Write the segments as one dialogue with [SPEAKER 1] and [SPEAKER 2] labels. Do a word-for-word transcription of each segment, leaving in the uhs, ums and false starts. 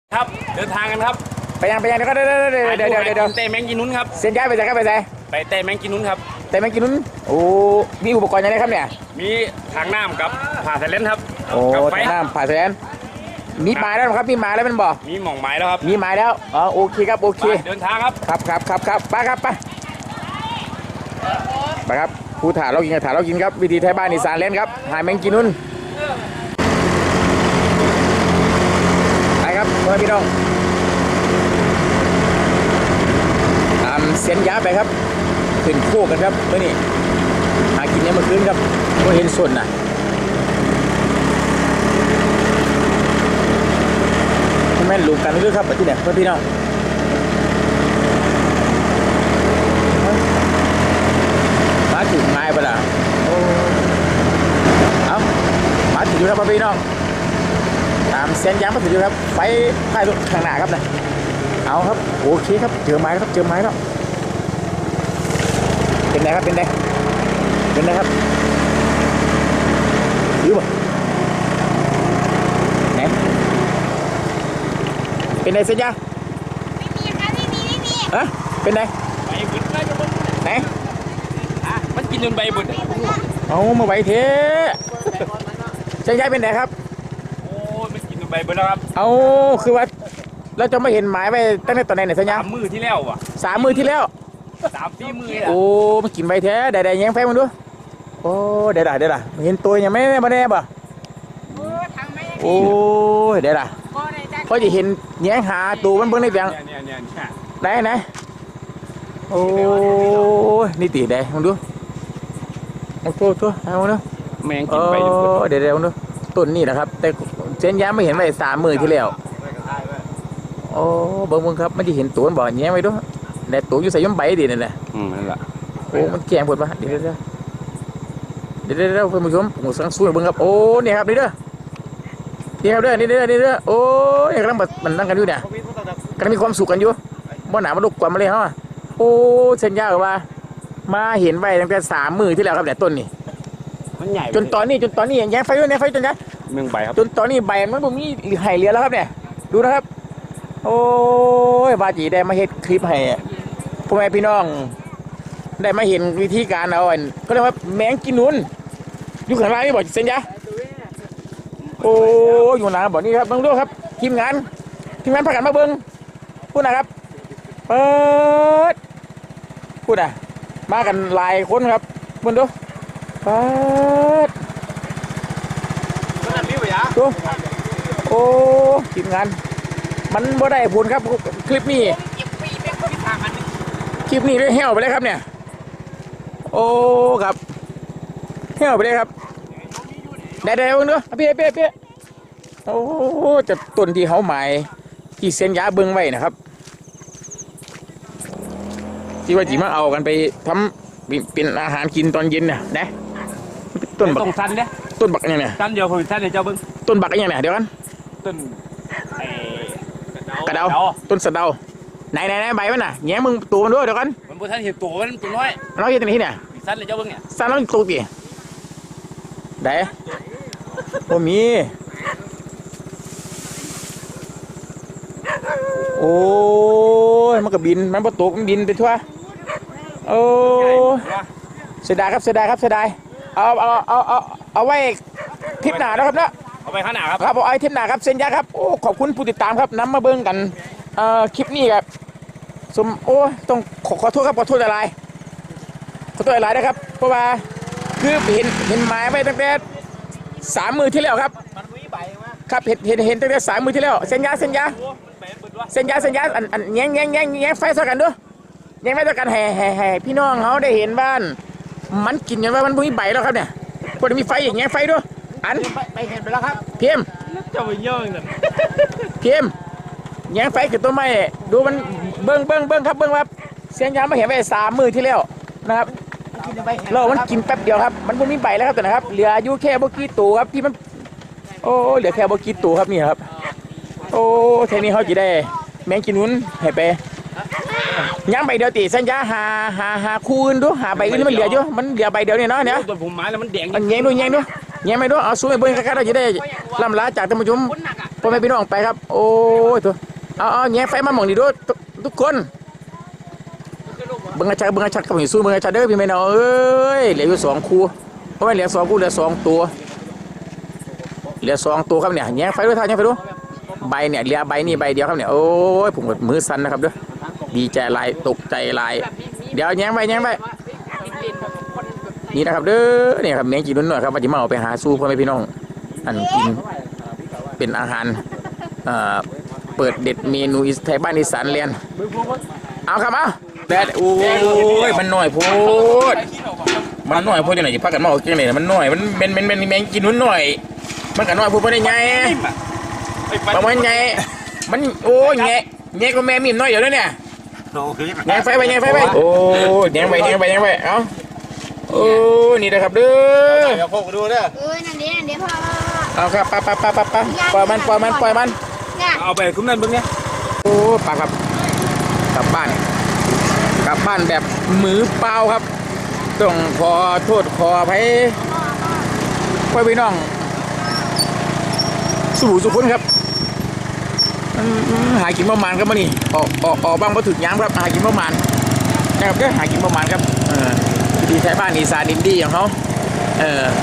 [SPEAKER 1] ครับเดินทางกันครับ
[SPEAKER 2] ไปยังไปยังเดี๋ยวก็เดี๋ยวเดี๋ยวเดี๋ยวเดี๋ยวเดี๋ยวเดี๋ยว
[SPEAKER 1] เตะแมงกินนุ้นครับ
[SPEAKER 2] เส้นย้ายไปใส่ครับไปใส่
[SPEAKER 1] ไปเตะแมงกินนุ้นครับ
[SPEAKER 2] แต่ไม่กินนู้นโอ้มีอุปกรณ์ยังไงครับเนี่ย
[SPEAKER 1] มีทางน้ำกับผ่าสายเลนครับ
[SPEAKER 2] โอ้ทางน้ำผ่าแสนมีหมายแล้วครับมีหมายแล้วมันบอก
[SPEAKER 1] มีหม่องไม้แล้วครับ
[SPEAKER 2] มีหมายแล้วอ๋อโอเคครับโอเค
[SPEAKER 1] เดินทางครับ
[SPEAKER 2] ครับครับครับครับไปครับไปไปครับผู้ถ่าเรากินถ่าเรากินครับวิธีไทยบ้านอีสานเล่นครับหาแมงกินนู้นไปครับเพื่อนพี่น้องตามเส้นยาไปครับขึ้นโค้กันครับเมื่อนี้หากินเนี่ยเมื่อคืนครับก็เห็นส่วนน่ะแม่นลูกกันด้วยครับที่เนี่ยเพื่อนพี่น้องมาถึงไม้ปะล่ะโอ้เอามาถึงอยู่ครับพี่น้องตามเส้นยางมาถึงอยู่ครับไฟไฟรถข้างหน้าครับนะเอาครับโอเคครับเจอไม้ครับเจอไม้แล้วเป็นไงครับเป็นไงเป็นไงครับยืมไหนเป็นไงเสียจ้า
[SPEAKER 3] ไม่มีค่ะไม่มีไม่มี
[SPEAKER 2] ฮะเป็นไง
[SPEAKER 1] ใบบุญใบบุญ
[SPEAKER 2] ไหน
[SPEAKER 1] อ่ะมันกินจนใบบุญ
[SPEAKER 2] เอามาไว้เทเสียจ้าเป็นไงครับ
[SPEAKER 1] โอ้มันกินจนใบบุญแล้วครับ
[SPEAKER 2] เอาคือว่าเราจะไม่เห็นหมายไปตั้งแต่ตอนไหนเนี่ยเสียจ้า
[SPEAKER 1] สามมือที่แล้วอ่ะ
[SPEAKER 2] สามมือที่แล้ว
[SPEAKER 1] สามปีมือ
[SPEAKER 2] โอ้มันกินใบแท้ได้ได้ยังไฟมันดูโอ้ได้ได้ได้ได้เห็นตัวยังไม่ได้มาแน่บ่โอ้ยได้ได้เพราะจะเห็นแย้งหาตัวมันเบิ่งในเบียง
[SPEAKER 1] เนี่ยเนี่ยเนี่ย
[SPEAKER 2] ไหนไหนโอ้ยนี่ตีได้มึงดูโอ้โหตัวเอาเนาะ
[SPEAKER 1] แมงกินใบบุญ
[SPEAKER 2] เดี๋ยวเดี๋ยวดูต้นนี่นะครับแต่เส้นย้ำไม่เห็นไว้สามมือที่แล้วโอ้เบิ่งมึงครับมันจะเห็นตัวบ่แย้งไว้ด้วยแต่ตัวอยู่ใส่ย่อมใบดีนั่นแหละ
[SPEAKER 1] อืมนั่นแหละ
[SPEAKER 2] โอ้มันแกงปวดปะเดี๋ยวเดี๋ยวเดี๋ยวเดี๋ยวเดี๋ยวเพื่อนผู้ชมผมสั่งสู้เบิ่งครับโอ้เนี่ยครับนี่เด้อนี่ครับเด้อนี่เด้อนี่เด้อโอ้ยกำลังมันนั่งกันอยู่เนี่ยกำลังมีความสุขกันอยู่บ่หนามันลุกกว่ามาเลยฮะโอ้เส้นยาวว่ามาเห็นไว้ตั้งแต่สามมือที่แล้วครับเนี่ยต้นนี่
[SPEAKER 1] มันใหญ่
[SPEAKER 2] จนตอนนี้จนตอนนี้ยังแย้งไฟด้วยเนี่ยไฟจนนะ
[SPEAKER 1] เมืองใบครับ
[SPEAKER 2] จนตอนนี้ใบมันบ่มีไห่เหลือแล้วครับเนี่ยดูนะครับโอ้ยบาจีได้มาเฮ็ดคลิปให้พ่อแม่พี่น้องได้มาเห็นวิธีการเอาอันก็เรียกว่าแมงกินนุนอยู่ข้างล่างนี่บอกเส้นยาโอ้อยู่หนาบอกนี่ครับเบิ้งดูครับทีมงานทีมงานพากันมาเบิ้งพูดนะครับเปิดพูดอ่ะมากันหลายคนครับเบิ้งดูเปิดดูโอ้ทีมงานมันบ่ได้ผลครับคลิปนี้คลิปนี้ได้เหี้ยวไปเลยครับเนี่ยโอ้ครับเหี้ยวไปเลยครับได้ได้เบิ้งดูพี่พี่พี่โอ้จะต้นที่เขาหมายที่เส้นยาเบิ้งไว้นะครับที่ว่าจีมาเอากันไปทำเป็นอาหารกินตอนเย็นเนี่ยนะต้นบัก
[SPEAKER 1] ต้นสั้นเนี่ย
[SPEAKER 2] ต้นบักยังไง
[SPEAKER 1] สั้นเดียวผมสั้นเดียวเจ้าเบิ้ง
[SPEAKER 2] ต้นบักยังไงเดี๋ยวกัน
[SPEAKER 1] ต้น
[SPEAKER 2] กระเดาต้นสะเดาไหนไหนไหนใบมันน่ะแง้มึงตัวมันด้วยเดี๋ยวกัน
[SPEAKER 1] มันบนท่านเห็นตัวมันตัวน้อย
[SPEAKER 2] เราอยู่ตรงนี้เนี่ย
[SPEAKER 1] สั้นเลยเจ้าเบิ้งเนี่ย
[SPEAKER 2] สั้นแล้วตัวกี่ไหนโอ้มีโอ้ยมันก็บินมันประตูมันบินไปทั่วโอ้เสียดายครับเสียดายครับเสียดายเอาเอาเอาเอาเอาไว้ทิปหนาแล้วครับเนาะ
[SPEAKER 1] เอาไปข้างหน้าครับ
[SPEAKER 2] ครับเอาไอ้ทิปหนาครับเส้นยาครับโอ้ขอบคุณผู้ติดตามครับนำมาเบิ้งกันเอ่อคลิปนี้ครับสมโอ้ต้องขอขอโทษครับขอโทษอะไรขอโทษอะไรนะครับเพราะว่าคือเห็นเห็นหมายไว้ตั้งแต่สามมือที่แล้วครับครับเห็นเห็นเห็นตั้งแต่สามมือที่แล้วเส้นยาเส้นยาเส้นยาเส้นยาอันอันแง่งแง่งแง่งแง่งไฟเท่ากันด้วยแง่งไฟเท่ากันแห่แห่แห่พี่น้องเขาได้เห็นบ้านมันกินกันว่ามันมีใบแล้วครับเนี่ยพอมีไฟอย่างแง่งไฟด้วยอัน
[SPEAKER 1] ไปเห็นไปแล้วครับ
[SPEAKER 2] เพียม
[SPEAKER 1] จะไปเยอะเลย
[SPEAKER 2] เพียมแง่งไฟกับตัวไม้ดูมันเบิ้งเบิ้งเบิ้งครับเบิ้งว่าเส้นยามาเห็นไปสามมือที่แล้วนะครับเรามันกินแป๊บเดียวครับมันไม่มีใบแล้วครับแต่นะครับเหลืออยู่แค่บกี้ตัวครับที่มันโอ้เหลือแค่บกี้ตัวครับนี่ครับโอ้เทนี้เขาจะได้แมงกินนุ้นให้ไปย่างใบเดียวตีสัญญาหาหาหาคูณดูหาใบอื่นมันเหลืออยู่มันเหลือใบเดียวนี่เนาะเนี่ย
[SPEAKER 1] ตัวผมไม้แล้วมันแดง
[SPEAKER 2] มันแยงด้วยแยงด้วยแยงไม่ด้วยเอาสู้ไอ้เบิ้งกันเราจะได้ลำลาจากท่านผู้ชมพพ่อแม่พี่น้องไปครับ โอ้ยตัวเอาเอาแง่ไฟมาหม่องนี่ด้วยทุกคนเบิ้งอาชัดเบิ้งอาชัดกับหิสู้เบิ้งอาชัดเด้อพี่แม่น้องเอ้ยเหลืออยู่สองคู่เพราะว่าเหลือสองคู่เหลือสองตัวเหลือสองตัวครับเนี่ยแง่ไฟด้วยท่าแง่ไฟด้วยใบเนี่ยเหลือใบนี่ใบเดียวครับเนี่ยโอ้ยผมกดมือสั่นนะครับเด้อดีใจลายตกใจลายเดี๋ยวแง่ไฟแง่ไฟนี่นะครับเด้อเนี่ยครับแมงจีนุ่นหน่อยครับว่าจะมาเอาไปหาสู้พ่อแม่พี่น้องอันกินเป็นอาหารเอ่อเปิดเด็ดเมนูอิสไทยบ้านอีสานเรียนเอาครับเอาแต่โอ้ยมันหน่อยโพดมันหน่อยโพดยังไงจะพักกันมาเอาจังไหนมันหน่อยมันเป็นเป็นเป็นแมงจีนุ่นหน่อยมันกันหน่อยโพดไม่ได้ไงประมาณไงมันโอ้ยไงไงก็แม่มีมน้อยอยู่แล้วเนี่ยไงไฟไปไงไฟไปโอ้ยไงไปไงไปไงไปเอาโอ้นี่นะครับเด้อเดี๋ยวพวกดูเด้อเออนั่นเดี๋ยวนั่นเดี๋ยวพ่อเอาครับปะปะปะปะปะปล่อยมันปล่อยมันปล่อยมันเอาไปคุ้มนั่นบึ้งเนี่ยโอ้ปะครับกลับบ้านกลับบ้านแบบมือเปล่าครับต้องขอโทษขออภัยพ่อพี่น้องสู่สุขุนครับหากินประมาณครับมานี่ออกออกออกบ้างมาถึงย้ำครับหากินประมาณนะครับก็หากินประมาณครับเออดีใช้บ้านอีสานดินดีของเขาเอ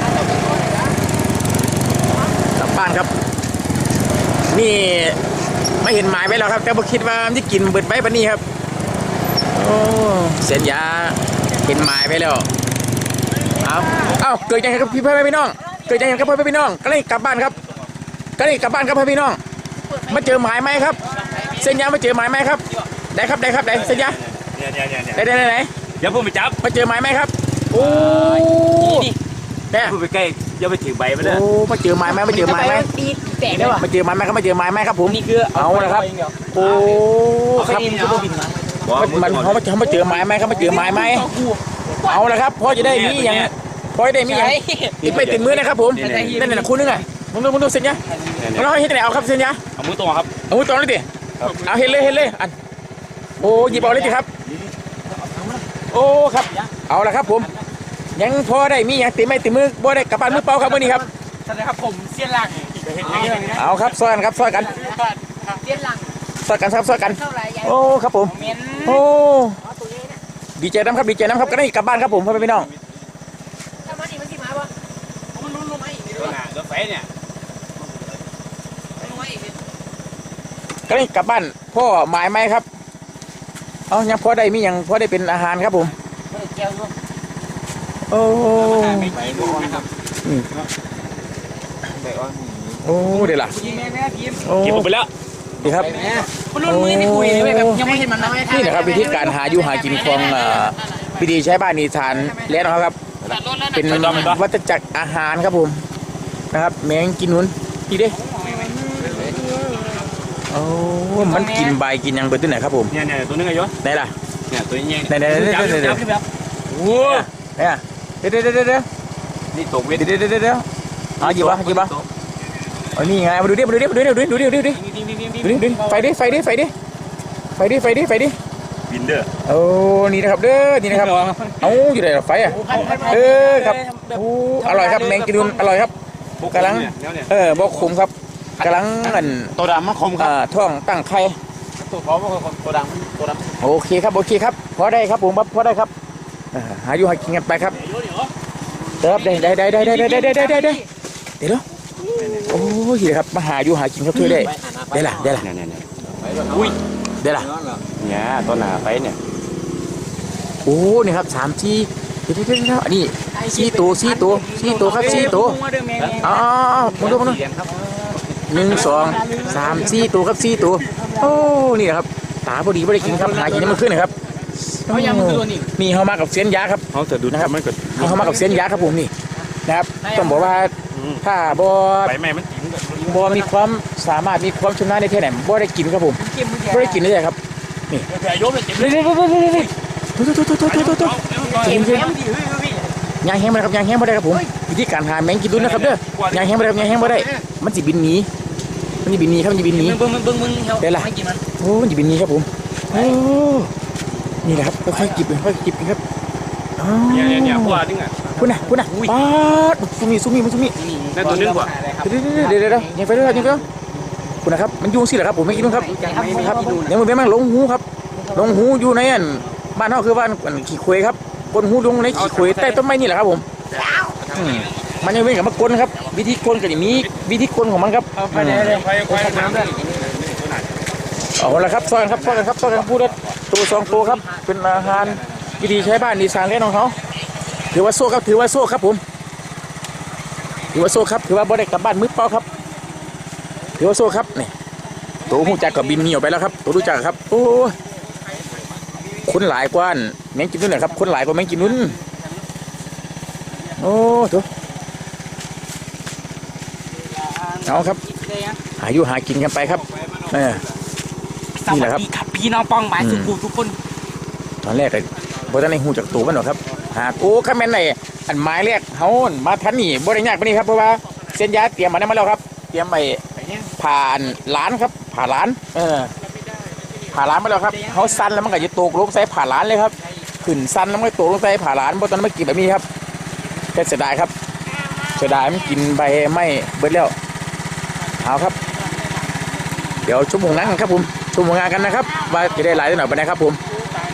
[SPEAKER 2] อกลับบ้านครับนี่ไม่เห็นหมายไว้แล้วครับแต่ผมคิดว่าที่กินเบิดไว้ปะนี่ครับโอ้เสียนยาเห็นหมายไปแล้วเอาเอาเกิดยังไงครับพี่พ่อพี่น้องเกิดยังไงครับพ่อพี่น้องก็เลยกลับบ้านครับก็เลยกลับบ้านครับพ่อพี่น้องมาเจอหมายไหมครับเส้นยามาเจอหมายไหมครับได้ครับได้ครับได้เส้นยาได้ได้ได้ไหน
[SPEAKER 1] อย่าพูดไปจับ
[SPEAKER 2] มาเจอหมายไหมครับโอ้
[SPEAKER 1] นี่เนี่ยพูดไปใกล้อย่าไปถือใบไปเลย
[SPEAKER 2] โอ้มาเจอหมายไหมมาเจอหมายไหม
[SPEAKER 3] แตกได้ป่ะ
[SPEAKER 2] มาเจอหมายไหมครับมาเจอหมายไหมครับผม
[SPEAKER 1] นี่คือ
[SPEAKER 2] เอาละครับโอ้ครับมันเขาเขามาเจอหมายไหมครับมาเจอหมายไหมเอาละครับพอจะได้มีอย่างพอจะได้มีอย่างติดไปติดมือนะครับผมนั่นน่ะคุณนึงไงมึงดูมึงดูเส้นยาเราให้ที่ไหนเอาครับเส้นยา
[SPEAKER 1] เอามือตรงครับ
[SPEAKER 2] เอามือตรงเลยดิเอาเห็นเลยเห็นเลยอันโอ้หยิบเอาเลยดิครับโอ้ครับเอาละครับผมยังพอได้มีอย่างติดไม่ติดมือบ่ได้กลับบ้านมือเปล่าครับวันนี้ครับ
[SPEAKER 1] สวัสดีครับผมเสี้ยนหลัง
[SPEAKER 2] เอาครับซอยกันครับซอยกัน
[SPEAKER 3] เสี้ยนหลัง
[SPEAKER 2] ซอยกันครับซอยกันโอ้ครับผมโอ้ดีใจน้ำครับดีใจน้ำครับก็ได้กลับบ้านครับผมพ่อพี่น้อง
[SPEAKER 3] ถ้ามันนี่มันสิมาบ่มันลุ้นลงมาอีกนี่
[SPEAKER 1] ด้วยรถไฟเนี่ย
[SPEAKER 2] ก็ได้กลับบ้านพ่อหมายไหมครับเอายังพอได้มีอย่างพอได้เป็นอาหารครับผมโอ้โอ้เดี๋ยวล่ะ
[SPEAKER 1] เก็บไปแล้ว
[SPEAKER 2] ดีครับนี่นะครับวิธีการหาอยู่หากินของวิธีใช้บ้านนิทานแล้วนะครับเป็นวัฏจักรอาหารครับผมนะครับแมงกินนุ่นพี่เด้โอ้มันกินใบกินยังเปิดตัวไหนครับผม
[SPEAKER 1] เนี่ยเนี่ยตัวนึงไงยศ
[SPEAKER 2] ไหนล่ะ
[SPEAKER 1] เนี่ยตัวนี้
[SPEAKER 2] ไหนไหนไหนไหนไหนโอ้เนี่ยเดี๋ยวเดี๋ยวเดี๋ยว
[SPEAKER 1] นี่ตกเวท
[SPEAKER 2] เดี๋ยวเดี๋ยวเดี๋ยวเอาหยิบวะหยิบวะอ๋อนี่ไงมาดูดิมาดูดิมาดูดิดูดิดูดิดูดิดูดิดูดิไฟดิไฟดิไฟดิไฟดิไฟดิไฟดิ
[SPEAKER 1] บินเด้อ
[SPEAKER 2] โอ้นี่นะครับเด้อนี่นะครับเอาอยู่ไหนไฟอ่ะเออครับโอ้อร่อยครับแมงกินนุ่นอร่อยครับกำลังเออบอกขมครับกำลังอัน
[SPEAKER 1] ตัวดำมันคมครับ
[SPEAKER 2] ท้องตั้งไข่
[SPEAKER 1] ตัวพอตัวดำตัวดำ
[SPEAKER 2] โอเคครับโอเคครับพอได้ครับผมพอได้ครับหาอยู่หากินกันไปครับเติบได้ได้ได้ได้ได้ได้ได้ได้ได้ได้เดี๋ยวโอ้ยครับมาหาอยู่หากินครับเพื่อได้ได้ละได้ละ
[SPEAKER 1] อุ้ย
[SPEAKER 2] ได้ละ
[SPEAKER 1] เนี่ยต้นหนาไปเนี่ย
[SPEAKER 2] โอ้นี่ครับสามจีเดี๋ยวเดี๋ยวเดี๋ยวอันนี้สี่ตัวสี่ตัวสี่ตัวครับสี่ตัวอ๋อมาดูมาดูหนึ่งสองสามสี่ตัวครับสี่ตัวโอ้นี่นะครับตาพอดีไม่ได้กินครับหากินมันขึ้นนะครับนี่เขามากับเสียนยาครับ
[SPEAKER 1] เขาจะดู
[SPEAKER 2] นะครับ
[SPEAKER 1] มันเกิด
[SPEAKER 2] เขามากับเสียนยาครับผมนี่นะครับต้องบอกว่าถ้าบอ
[SPEAKER 1] ใบไม้มัน
[SPEAKER 2] บอมีความสามารถมีความชำนาญในเท่าไหร่บอได้กินครับผมบอได้กินเลยครับนี่
[SPEAKER 1] ยกเลยเจ็บ
[SPEAKER 2] เลยเลยเลยเลยเลยตัวตัวตัวตัวตัวตัวตัวกินเลยยางแห้งมาครับยางแห้งมาได้ครับผมวิธีการหาแมงกินดุนนะครับเด้อยางแห้งมาได้ยางแห้งมาได้มันจะบินหนีมันจะบินหนีครับมันจะบินหนีได้ละโอ้มันจะบินหนีครับผมโอ้นี่แหละครับค่อยๆจิบค่อยๆจิบครับ
[SPEAKER 1] เนี่ยเนี่ยพวกนี่ไง
[SPEAKER 2] คุณน่ะคุณน่ะป๊าดซุมีซุมีมันซุมี
[SPEAKER 1] นั่นตัวนึงกว่า
[SPEAKER 2] เดี๋ยวเดี๋ยวเดี๋ยวยังไปเรื่อยยังไปเรื่อยคุณนะครับมันยุ่งสิเหรอครับผมไม่กินครับครับเดี๋ยวมันเป็นมั่งลงหูครับลงหูอยู่ในอันบ้านเขาคือบ้านขี้คุยครับกลหูลงในขี้คุยใต้ต้นไม้นี่แหละครับผมมันยังเป็นกับมากลครับวิธีกลก็จะมีวิธีกลของมันครับเอาละครับซอยครับซอยครับซอยกันพูดตัวสองตัวครับเป็นอาหารวิธีใช้บ้านดีไซน์เล่นของเขาถือว่าโซ่ครับถือว่าโซ่ครับผมถือว่าโซ่ครับถือว่าบริกรรมบ้านมืดเปล่าครับถือว่าโซ่ครับนี่ตัวหูจักกับบินเหนียวไปแล้วครับตัวรู้จักครับโอ้คนหลายกว่าแมงกินนุ่นนะครับคนหลายกว่าแมงกินนุ่นโอ้ถูกเอาครับหาอยู่หากินกันไปครับนี่แหละครับ
[SPEAKER 3] พี่น้องป้องหมายสุขุทุกคน
[SPEAKER 2] ตอนแรกเลยบริษัทในหูจากตัวมันหรอครับหากโอ้ข้าแม่นไหนอันไม้แรกเขามาทันนี่บริญญาไปนี่ครับเพราะว่าเส้นยาเตรียมมาได้มาแล้วครับเตรียมไปผ่านล้านครับผ่านล้านเออผ่านล้านมาแล้วครับเขาสั้นแล้วมันก็จะตกลงใส่ผ่านล้านเลยครับขึ้นสั้นแล้วมันก็ตกลงใส่ผ่านล้านเพราะตอนนั้นไม่กินแบบนี้ครับแค่เสียดายครับเสียดายมันกินใบไม่เบิดแล้วเอาครับเดี๋ยวชั่วโมงนั้นครับผมชั่วโมงงานกันนะครับว่าจะได้หลายได้หน่อยไปนะครับผม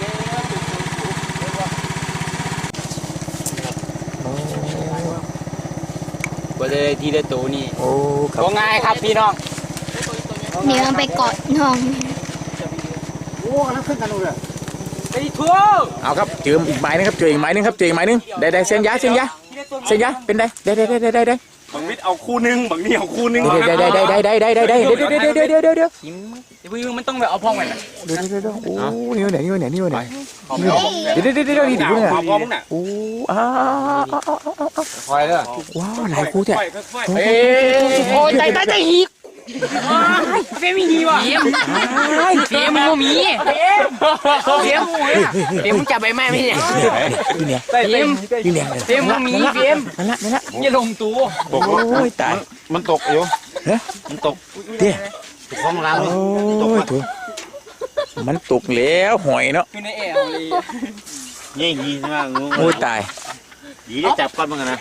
[SPEAKER 1] ก็ได้ทีได้ตัวนี่
[SPEAKER 2] โอ้ครับ
[SPEAKER 1] ก็ง่ายครับพี่น้อง
[SPEAKER 4] เดี๋ยวไปกอดน้อง
[SPEAKER 3] โอ้แล้วขึ้นกันเลย
[SPEAKER 1] ไปทั่ว
[SPEAKER 2] เอาครับเจออีกไม้นึงครับเจออีกไม้นึงครับเจออีกไม้นึงได้ได้เส้นยาเส้นยาเส้นยาเป็นได้ได้ได้ได้ได้ได้
[SPEAKER 1] บางมิดเอาคู่นึงบางนี่เอาคู่นึง
[SPEAKER 2] ได้ได้ได้ได้ได้ได้ได้ได้เดี๋ยวเดี๋ยวเดี๋ยวเดี๋ยวเดี๋ยวเดี๋ยว
[SPEAKER 1] กินพี่มันต้องแบบเอาพ่องไปน่ะ
[SPEAKER 2] เดี๋ยวเดี๋ยวเดี๋ยวโอ้นี่ไหนนี่ไหนนี่ไหนเดี๋ยวเดี๋ยวเดี๋ยวเดี๋ยวนี่เดี๋ยวนี่
[SPEAKER 1] พ่อมึงน่ะ
[SPEAKER 2] โอ้อ้า
[SPEAKER 1] คอยเด้อ
[SPEAKER 2] ว้าวหลายคู่แท้
[SPEAKER 1] เอ้โอ้ยตายตายตายอีกเฟมีดีว่ะเฟมเฟมมึงมีเฟมเฟมเฟมมึงจับใบไม้ไม่เนี่ย
[SPEAKER 2] นี่เนี่ย
[SPEAKER 1] เฟม
[SPEAKER 2] นี่เนี่ย
[SPEAKER 1] เฟมมึงมีเฟม
[SPEAKER 2] นั่นละนั่นละ
[SPEAKER 1] อย่าลงตัว
[SPEAKER 2] โอ้ยตาย
[SPEAKER 1] มันตกอยู่
[SPEAKER 2] เฮ้ย
[SPEAKER 1] มันตก
[SPEAKER 2] เดี๋ยว
[SPEAKER 1] ของเรา
[SPEAKER 2] โอ้ยถูกมันตกแล้วหอยเนาะ
[SPEAKER 1] อยู่ในแอร์เลยยี่ยี่ใช่ไหมงู
[SPEAKER 2] โอ้ยตาย
[SPEAKER 1] ยี่ได้จับก้อนมั้งนะ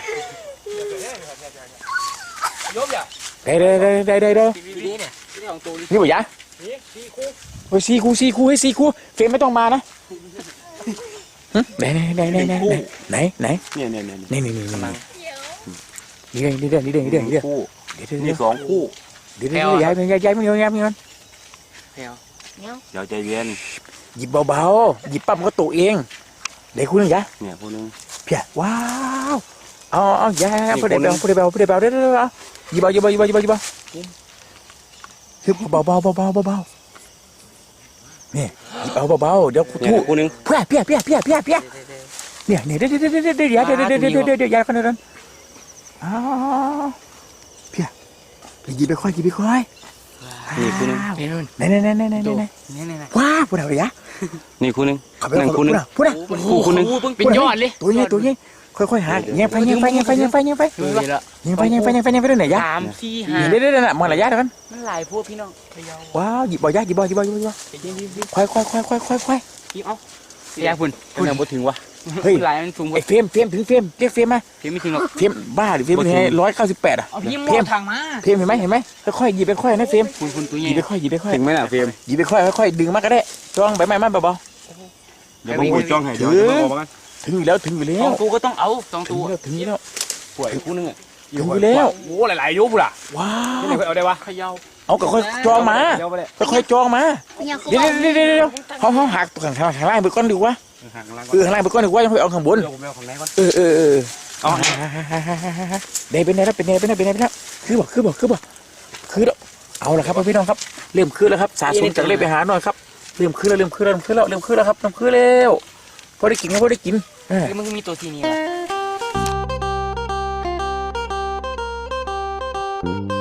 [SPEAKER 1] ยกอย่า
[SPEAKER 2] ได้ได้ได้ได้ได้ได้
[SPEAKER 1] นี่เนี่ยนี่ของตัว
[SPEAKER 2] นี่บ่ยะโอ้ยสี่คู่สี่คู่ให้สี่คู่เฟรมไม่ต้องมานะไหนไหนไหนไหนไหนไหนไหน
[SPEAKER 1] เนี่ยเนี่ยเนี่ย
[SPEAKER 2] นี่นี่นี่นี่นี่เด้อนี่เด้อนี่เด้อนี่เด้อ
[SPEAKER 1] คู่
[SPEAKER 2] เดี๋ยวเดี๋ยว
[SPEAKER 1] นี่สองคู่
[SPEAKER 2] เดี๋ยวเดี๋ยวย้ายย้ายย้ายมันย้ายย้ายมัน
[SPEAKER 1] เดี๋ยวใจเย็น
[SPEAKER 2] หยิบเบาๆหยิบปั๊บมันก็ตกเองเดี๋ยวคุณนึงยะ
[SPEAKER 1] เนี่ยคู่นึง
[SPEAKER 2] เพี้ยว้าวเอาเอาย้ายพูดได้เบาพูดได้เบาพูดได้เบาเด้อเด้อเด้อหยิบเบาหยิบเบาหยิบเบาหยิบเบาหยิบเบาคือเบาเบาเบาเบาเบานี่หยิบเอาเบาๆเดี๋ยวกู
[SPEAKER 1] เนี่ย
[SPEAKER 2] ทู่
[SPEAKER 1] คู่นึง
[SPEAKER 2] เพี้ยเพี้ยเพี้ยเพี้ยเพี้ยเพี้ยเนี่ยเนี่ยเดี๋ยวเดี๋ยวเดี๋ยวเดี๋ยวเดี๋ยวเดี๋ยวเดี๋ยวเดี๋ยวเดี๋ยวเดี๋ยวย้ายกันเดินอ้าวเพี้ยหยิบไปค่อยหยิบไปค่อย
[SPEAKER 1] นี่คู่นึง
[SPEAKER 2] ไหนไหนไหนไหนไหนไหนว้าพูดอะไรยะ
[SPEAKER 1] นี่คู่นึง
[SPEAKER 2] ขับไป
[SPEAKER 1] นั่งคู่นึง
[SPEAKER 2] พูดนะ
[SPEAKER 1] คู่คู่นึง
[SPEAKER 3] เป็นยอดเลย
[SPEAKER 2] ตัวนี้ตัวนี้ค่อยๆหาเงี้ยไปเงี้ยไปเงี้ยไปเงี้ยไปเงี้ยไปเงี้ยไปเงี้ยไปเงี้ยไปเงี้ยไปเรื่อยๆยะ
[SPEAKER 3] สามสี่ห้า
[SPEAKER 2] เดี๋ยวเดี๋ยวเดี๋ยวมองระยะเดี๋ยวกัน
[SPEAKER 3] มันหลายพวกพี่น้อง
[SPEAKER 2] ว้าวหยิบบ่อยะหยิบบ่อยหยิบบ่อยหยิบบ่อยค่อยค่อยค่อยค่อยค่อยค่อย
[SPEAKER 3] พี่เอาอยากพุ่น
[SPEAKER 1] คู่นึงบ่ถึงวะ
[SPEAKER 2] เฮ้ย
[SPEAKER 3] หลายมันสูงกว่า
[SPEAKER 2] ไอ้เฟรมเฟรมถึงเฟรมเรียกเฟรมมา
[SPEAKER 3] พี่ไม่ถึงหรอก
[SPEAKER 2] เฟรมบ้าหรือเฟรมเป็นไงร้อยเก้าสิบแปดอ่ะ
[SPEAKER 3] เอาพี่ม
[SPEAKER 2] เฟร
[SPEAKER 3] อ
[SPEAKER 2] ม
[SPEAKER 3] ทางมา
[SPEAKER 2] เฟรมเห็นไหมเห็นไหมค่อยๆหยิบไปค่อยนะเฟรม
[SPEAKER 3] คุณคุณตัว
[SPEAKER 2] ห
[SPEAKER 3] ให
[SPEAKER 2] ยิ
[SPEAKER 3] ญ่
[SPEAKER 2] บไปค่อยหยิบไปค่อย
[SPEAKER 1] ถึงไหมน่ะเฟรม
[SPEAKER 2] หยิบไปค่อยค่อยดึงมาก็ได้จ้องใบไม้มาเบา
[SPEAKER 1] เดี๋ยวผมพูดจ้องให้เดี๋ยวจะบอกว่า
[SPEAKER 2] ๆถึงอยู่แล้วถึงอยู่แล้
[SPEAKER 3] สอ
[SPEAKER 2] ว
[SPEAKER 3] งตัวก็ต้องเอาสอง
[SPEAKER 2] ถึง
[SPEAKER 3] ตัว
[SPEAKER 2] แล้วถึงอยู่แล้ว
[SPEAKER 1] ป่วยคู่นึงอ่ะ
[SPEAKER 2] ถึงอยู่แล้ว
[SPEAKER 1] โอ้หลายๆยุบล่ะ
[SPEAKER 2] ว้าว
[SPEAKER 1] นี่เอาได้วะ
[SPEAKER 3] เขย่า
[SPEAKER 2] เอาก็ค่อยจองมา
[SPEAKER 1] เดี๋ยวไปเลย
[SPEAKER 2] ค่อยๆจองมา
[SPEAKER 4] อยาก
[SPEAKER 2] เดี๋ยวเดี๋ยวเดี๋ยวเดี๋ยวเขาเขาหักข้างข้างข้างล่างไปก้อนดีกว่า
[SPEAKER 1] ห่างล่าง
[SPEAKER 2] เออข้างล่างไปก้อนดีกว่ายังค่อยเอาข้างบน
[SPEAKER 1] เดี๋ยวผมเอาของไหนก่อน
[SPEAKER 2] เออเออเออ
[SPEAKER 1] เอา
[SPEAKER 2] เดเป็นไงแล้วเป็นไงเป็นไงเป็นไงเป็นไงคือบอกคือบอกคือบอกคือแล้วเอาละครับพี่น้องครับเริ่มคือแล้วครับสะสมจากเล่ไปหาหน่อยครับเริ่มคือแล้วเริ่มคือแล้วเริ่มคือแล้วเริ่มคือแล้วครับเริ่มคือแล้วพอได้กินก็พอได้กิน
[SPEAKER 3] คือมันมีตัวทีนี้